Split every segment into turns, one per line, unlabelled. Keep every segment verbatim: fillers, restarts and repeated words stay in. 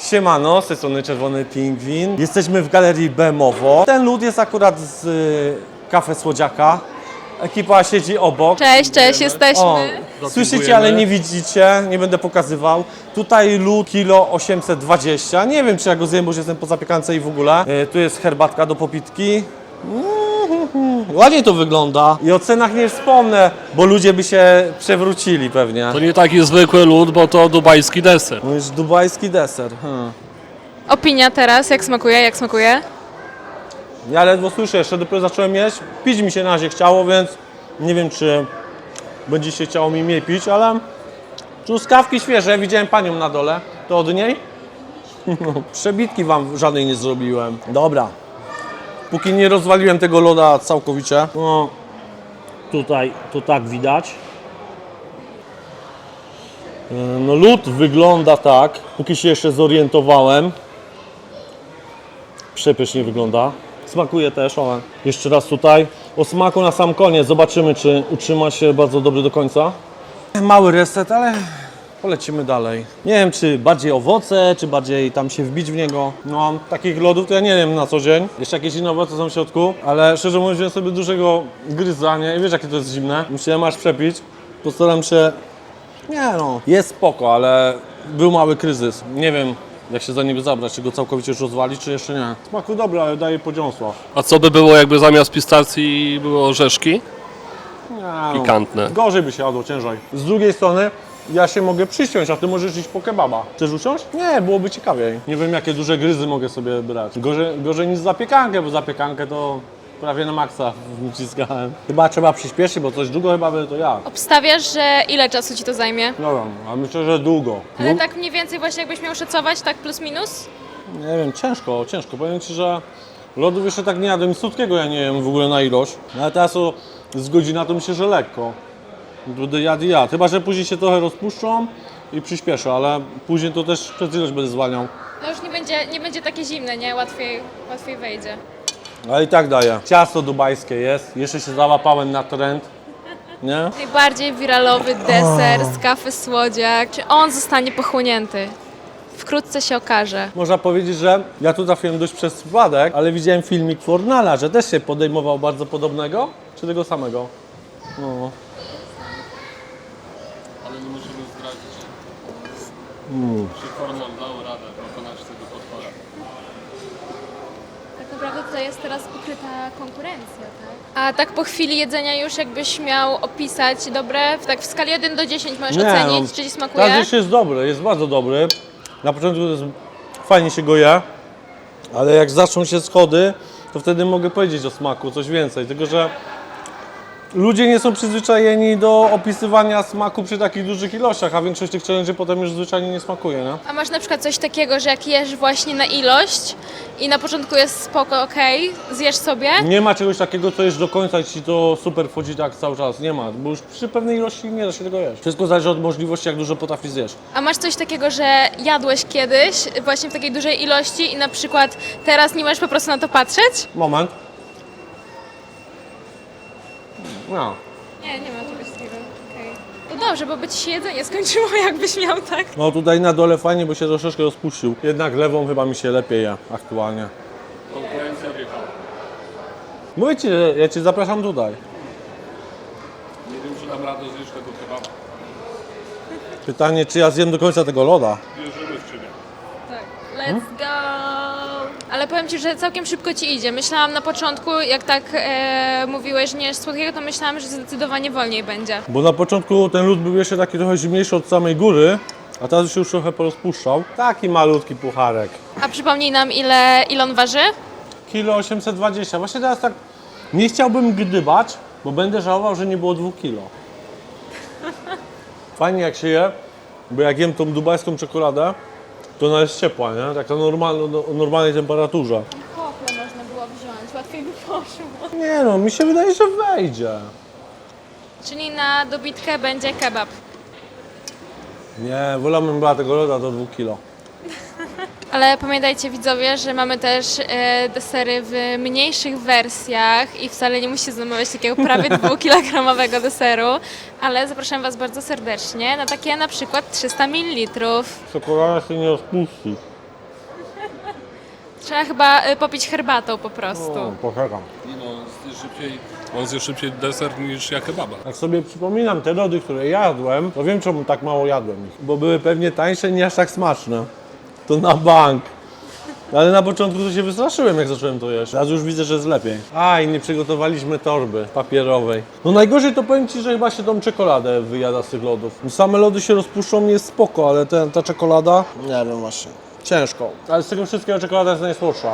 Siemano, z tej strony Czerwony Pingwin. Jesteśmy w Galerii Bemowo. Ten lód jest akurat z y, Kafe Słodziaka. Ekipa siedzi obok.
Cześć, cześć, jesteśmy.
O, słyszycie, ale nie widzicie, nie będę pokazywał. Tutaj lód kilo osiemset dwadzieścia. Nie wiem, czy ja go zjem, bo już jestem po zapiekance i w ogóle. Y, tu jest herbatka do popitki. Mm-hmm. Ładnie to wygląda. I o cenach nie wspomnę, bo ludzie by się przewrócili pewnie.
To nie taki zwykły lód, bo to dubajski deser.
No już dubajski deser. Hmm.
Opinia teraz, jak smakuje, jak smakuje?
Ja ledwo słyszę, jeszcze dopiero zacząłem jeść. Pić mi się na razie chciało, więc nie wiem, czy będzie się chciało mi mniej pić, ale truskawki świeże, widziałem panią na dole, to od niej. Przebitki wam żadnej nie zrobiłem. Dobra, póki nie rozwaliłem tego loda całkowicie. No, tutaj to tak widać. No lód wygląda tak, póki się jeszcze zorientowałem. Przepysznie wygląda. Smakuje też, o, jeszcze raz tutaj. O smaku na sam koniec, zobaczymy, czy utrzyma się bardzo dobrze do końca. Mały reset, ale polecimy dalej. Nie wiem, czy bardziej owoce, czy bardziej tam się wbić w niego. No, takich lodów to ja nie wiem na co dzień. Jeszcze jakieś inne owoce są w środku, ale szczerze mówiąc, wziąłem sobie dużego gryzania i wiesz, jakie to jest zimne. Musiałem aż przepić. Postaram się... Nie no, jest spoko, ale był mały kryzys. Nie wiem, jak się za niby zabrać, czy go całkowicie już rozwalić, czy jeszcze nie. Smaku dobry, ale daje podziąsła.
A co by było, jakby zamiast pistacji były orzeszki?
Nie, no.
Pikantne.
Gorzej by się jadło, ciężej. Z drugiej strony, ja się mogę przysiąść, a ty możesz iść po kebaba. Chcesz usiąść? Nie, byłoby ciekawiej. Nie wiem, jakie duże gryzy mogę sobie brać. Gorzej, gorzej niż zapiekankę, bo zapiekankę to prawie na maksa wciskałem. Chyba trzeba przyspieszyć, bo coś długo chyba by to ja.
Obstawiasz, że ile czasu ci to zajmie?
No wiem, a myślę, że długo.
Ale tak mniej więcej właśnie jakbyś miał szacować, tak plus minus?
Nie wiem, ciężko, ciężko. Powiem Ci, że lodów jeszcze tak nie jadłem, słodkiego ja nie wiem w ogóle na ilość. No ale teraz o, z godzina to myślę, że lekko. Będę jadł i jadł. Chyba, że później się trochę rozpuszczą i przyspieszę, ale później to też przez ilość będę zwalniał.
No już nie będzie, nie będzie takie zimne, nie? Łatwiej, łatwiej wejdzie.
Ale i tak daję. Ciasto dubajskie jest, jeszcze się załapałem na trend. Nie?
Najbardziej wiralowy deser z Kawy Słodziak. Czy on zostanie pochłonięty? Wkrótce się okaże.
Można powiedzieć, że ja tu trafiłem dość przez przypadek, ale widziałem filmik Fornala, że też się podejmował bardzo podobnego, czy tego samego? No.
Ale nie musimy zdradzić, mm. czy Fornal dał radę pokonać tego potwora.
Tak naprawdę tutaj jest teraz ukryta konkurencja, tak? A tak po chwili jedzenia już jakbyś miał opisać dobre, tak w skali jeden do dziesięciu możesz
Nie,
ocenić,
no,
czy ci smakuje?
Teraz już jest dobry, jest bardzo dobry. Na początku to jest, fajnie się go je, ale jak zaczną się schody, to wtedy mogę powiedzieć o smaku coś więcej, tylko że ludzie nie są przyzwyczajeni do opisywania smaku przy takich dużych ilościach, a większość tych challenge potem już zwyczajnie nie smakuje, nie?
A masz na przykład coś takiego, że jak jesz właśnie na ilość i na początku jest spoko, okej, zjesz sobie,
Nie ma czegoś takiego, co jesz do końca i ci to super wchodzi tak cały czas, nie ma, bo już przy pewnej ilości nie da się tego jeść. Wszystko zależy od możliwości, jak dużo potrafisz zjeść.
a masz coś takiego, że jadłeś kiedyś właśnie w takiej dużej ilości i na przykład teraz nie możesz po prostu na to patrzeć?
Moment. No.
Nie, nie ma czegoś takiego, okej. No dobrze, bo by ci się jedzenie skończyło, jakbyś miał, tak?
No tutaj na dole fajnie, bo się troszeczkę rozpuścił. Jednak lewą chyba mi się lepiej je aktualnie.
Konkurencja wieka.
Mówię Ci, że ja Cię zapraszam tutaj.
Nie wiem, czy dam radę zjeść tego kebaba.
Pytanie, czy ja zjem do końca tego loda?
Wierzymy w Ciebie.
Tak. Let's go! Ale powiem Ci, że całkiem szybko Ci idzie. Myślałam na początku, jak tak e, mówiłeś, że nie jesz słodkiego, to myślałam, że zdecydowanie wolniej będzie.
Bo na początku ten lód był jeszcze taki trochę zimniejszy od samej góry, a teraz się już trochę porozpuszczał. Taki malutki pucharek.
A przypomnij nam, ile, ile on waży?
Kilo osiemset dwadzieścia. Właśnie teraz tak nie chciałbym gdybać, bo będę żałował, że nie było dwóch kilo. Fajnie jak się je, bo jak jem tą dubajską czekoladę, to ona jest ciepła, nie? Taka normalna, o normalnej temperaturze.
Kople można było wziąć, łatwiej by poszło.
Nie no, mi się wydaje, że wejdzie.
Czyli na dobitkę będzie kebab.
Nie, wolałbym była tego loda do dwóch kilo.
Ale pamiętajcie widzowie, że mamy też e, desery w mniejszych wersjach i wcale nie musicie zamawiać takiego prawie dwukilogramowego deseru, ale zapraszam Was bardzo serdecznie na takie na przykład trzysta mililitrów.
Czekolada się nie rozpuści.
Trzeba chyba y, popić herbatą po prostu.
O, poczekam.
Nie no, on zje szybciej, on zje szybciej deser niż ja kebaba.
Jak sobie przypominam te lody, które jadłem, to wiem czemu tak mało jadłem ich. Bo były pewnie tańsze, nie aż tak smaczne. To na bank. Ale na początku to się wystraszyłem, jak zacząłem to jeść. Teraz już widzę, że jest lepiej. A, i nie przygotowaliśmy torby papierowej. No najgorzej to powiem Ci, że chyba się tą czekoladę wyjada z tych lodów. Same lody się rozpuszczą, jest spoko, ale ten, ta czekolada... Nie wiem właśnie. Ciężko. Ale z tego wszystkiego czekolada jest najsłodsza.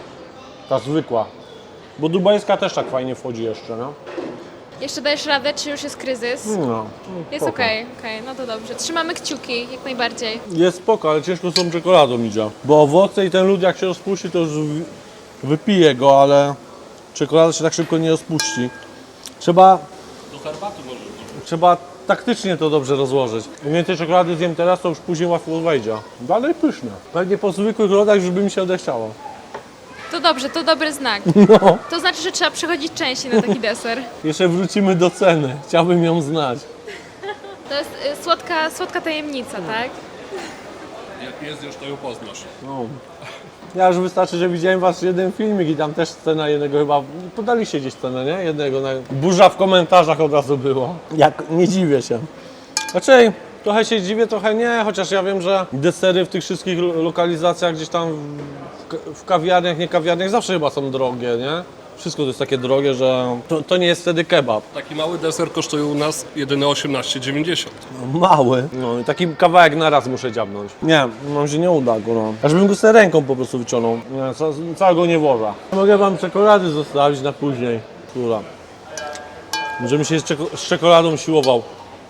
Ta zwykła. Bo dubajska też tak fajnie wchodzi jeszcze, no.
Jeszcze dajesz radę, czy już jest kryzys?
No,
Jest
spoko.
okej, okej, no to dobrze. Trzymamy kciuki, jak najbardziej.
Jest spoko, ale ciężko z tą czekoladą idzie. Bo owoce i ten lód jak się rozpuści, to już wy- wypije go, ale czekolada się tak szybko nie rozpuści. Trzeba,
Do herbaty może być.
trzeba taktycznie to dobrze rozłożyć. Im więcej czekolady zjem teraz, to już później łatwo wejdzie. Dalej pyszne. Pewnie po zwykłych lodach już by mi się odechciało.
To dobrze, to dobry znak.
No.
To znaczy, że trzeba przychodzić częściej na taki deser.
Jeszcze wrócimy do ceny. Chciałbym ją znać.
To jest y, słodka, słodka tajemnica, tak?
Jak nie zjesz, to ją poznasz.
No. Ja już wystarczy, że widziałem wasz jeden filmik i tam też cena jednego chyba, podaliście gdzieś cenę, nie? Jednego, na... burza w komentarzach od razu było. Jak, nie dziwię się. Raczej trochę się dziwię, trochę nie, chociaż ja wiem, że desery w tych wszystkich lo- lokalizacjach gdzieś tam w, w, w kawiarniach, nie kawiarniach zawsze chyba są drogie, nie? Wszystko to jest takie drogie, że to, to nie jest wtedy kebab.
Taki mały deser kosztuje u nas jedyne osiemnaście dziewięćdziesiąt.
Mały. No i taki kawałek na raz muszę dziabnąć. Nie, nam się nie uda go. No. Aż bym go sobie ręką po prostu wyciągnął. Nie, ca- całego nie włożę. Mogę wam czekolady zostawić na później. Która? Żebym się z, czeko- z czekoladą siłował.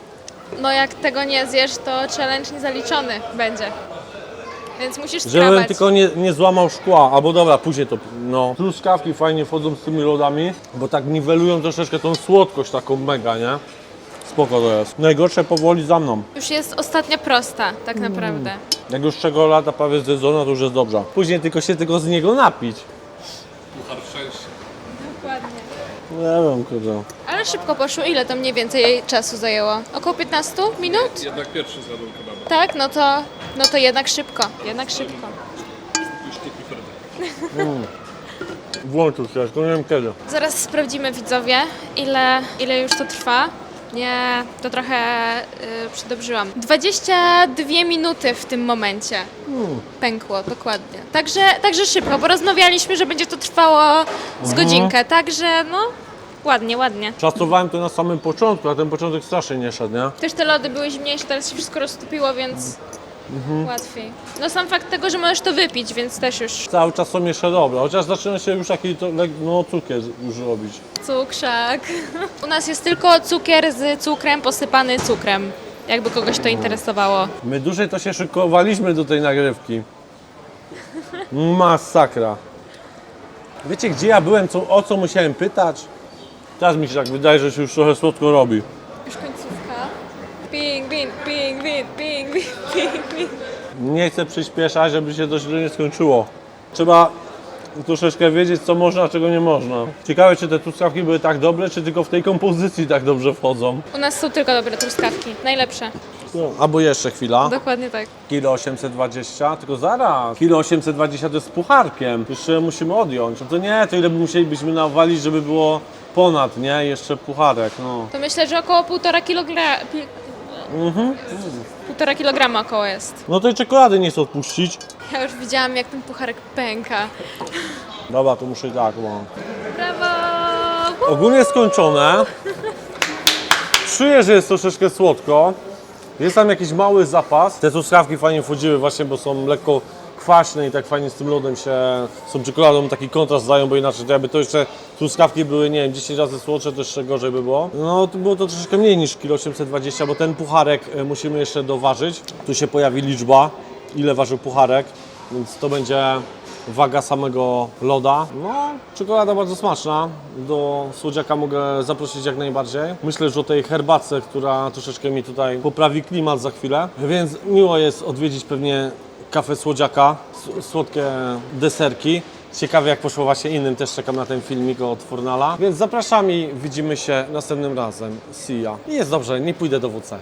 No jak tego nie zjesz, to challenge niezaliczony będzie. Więc musisz
Żebym
spróbować.
tylko nie, nie złamał szkła. Albo dobra, później to. No. Truskawki fajnie wchodzą z tymi lodami, bo tak niwelują troszeczkę tą słodkość taką mega, nie? Spoko to jest. Najgorsze powoli za mną.
Już jest ostatnia prosta, tak naprawdę.
Jak już czekolada prawie zjedzona, to już jest dobrze. Później tylko się tylko z niego napić.
Puchar szczęścia.
Dokładnie.
Nie wiem, kurde.
Ale szybko poszło. Ile to mniej więcej czasu zajęło? Około piętnaście minut?
Jednak pierwszy zjadłem kebaba.
Tak, no to, no to jednak szybko. Jednak szybko.
Już sztuki frytek.
Włączył się, tylko nie wiem kiedy.
Zaraz sprawdzimy, widzowie, ile, ile już to trwa. Nie, to trochę y, przedobrzyłam. dwadzieścia dwie minuty w tym momencie pękło, dokładnie. Także, także szybko, bo rozmawialiśmy, że będzie to trwało z godzinkę, także no ładnie, ładnie.
Szacowałem to na samym początku, a ten początek strasznie nie szedł, nie?
Też te lody były zimniejsze, teraz się wszystko roztopiło, więc łatwiej. No sam fakt tego, że możesz to wypić, więc też już
Cały czas są jeszcze dobre, chociaż zaczyna się już taki to, lek- no, cukier już robić.
cukrzak. U nas jest tylko cukier z cukrem posypany cukrem, jakby kogoś to interesowało.
My dłużej to się szykowaliśmy do tej nagrywki. Masakra. Wiecie, gdzie ja byłem, co, o co musiałem pytać? Teraz mi się tak wydaje, że się już trochę słodko robi.
Już końcówka. Ping, ping, ping, ping, ping, ping, ping, ping.
Nie chcę przyspieszać, żeby się to źle nie skończyło. Trzeba troszeczkę wiedzieć, co można, a czego nie można. Ciekawe, czy te truskawki były tak dobre, czy tylko w tej kompozycji tak dobrze wchodzą.
U nas są tylko dobre truskawki, najlepsze.
No, albo jeszcze chwila.
Dokładnie tak.
Kilo osiemset dwadzieścia, tylko zaraz. Kilo osiemset dwadzieścia to jest z pucharkiem. Jeszcze musimy odjąć. No to nie, to ile by musielibyśmy nawalić, żeby było ponad, nie? Jeszcze pucharek, no.
To myślę, że około półtora kilograma. Półtora kilograma około jest.
No tej czekolady nie chcę odpuścić.
Ja już widziałam, jak ten pucharek pęka.
Dobra, to muszę i tak, bo...
Brawo!
Ogólnie skończone. Czuję, że jest troszeczkę słodko. Jest tam jakiś mały zapas. Te truskawki fajnie wchodziły właśnie, bo są lekko kwaśne i tak fajnie z tym lodem się, z tą czekoladą taki kontrast dają, bo inaczej to jakby to jeszcze truskawki były, nie wiem, dziesięć razy słodsze, to jeszcze gorzej by było. No to było to troszeczkę mniej niż kilo osiemset dwadzieścia, bo ten pucharek e, musimy jeszcze doważyć. Tu się pojawi liczba, ile ważył pucharek, więc to będzie waga samego loda. No, czekolada bardzo smaczna. Do słodziaka mogę zaprosić jak najbardziej. Myślę, że o tej herbatce, która troszeczkę mi tutaj poprawi klimat za chwilę. Więc miło jest odwiedzić pewnie kafę słodziaka, s- słodkie deserki. Ciekawe jak poszło właśnie innym, też czekam na ten filmik od Fornala. Więc zapraszam i widzimy się następnym razem. See ya. I jest dobrze, nie pójdę do W C.